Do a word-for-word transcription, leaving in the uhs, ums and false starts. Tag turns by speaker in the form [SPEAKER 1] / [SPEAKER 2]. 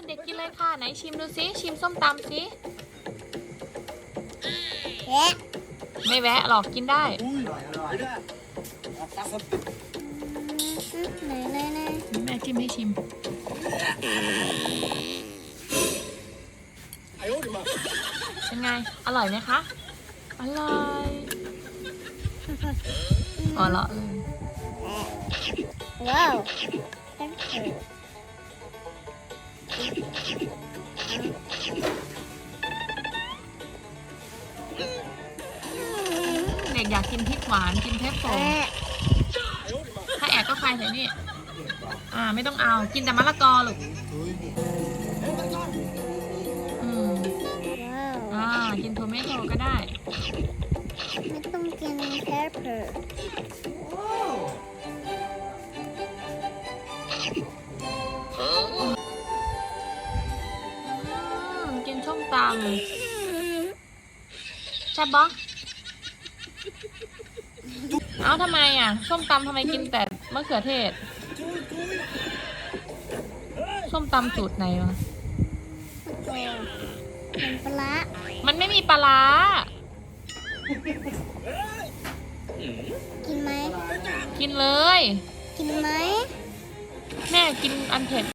[SPEAKER 1] เด็กๆกินเลยค่ะไหนชิมดูซิชิมส้มตำซิ
[SPEAKER 2] แวะ
[SPEAKER 1] ไม่แวะหรอกกินได้
[SPEAKER 2] ไหนไหนไหน
[SPEAKER 1] แม่จิ้มให้ชิมเป็นไงอร่อยไหมคะอร่อยอ๋อเหรอเลย
[SPEAKER 2] ว้าว
[SPEAKER 1] เด็กอยากกินพริกหวานกินเทปโฟถ้าแอบก็ใครใส่นี่อ่าไม่ต้องเอากินแต่มะละกอลูกอืม
[SPEAKER 2] ว้าว
[SPEAKER 1] อ่ากินโทเมโต้ก็ได้
[SPEAKER 2] ไม่ต้องกินแพปเปอร์
[SPEAKER 1] อืมกินส้มตำใช่ปะเอ้าทำไมอ่ะส้มตำทำไมกินแต่มะเขือเทศส้มตำสูตรไหนวะ
[SPEAKER 2] เป็นปลา
[SPEAKER 1] มันไม่มีปลาร้า
[SPEAKER 2] กินไหม
[SPEAKER 1] กินเลย
[SPEAKER 2] กินไหม
[SPEAKER 1] แม่กินอันเผ็ด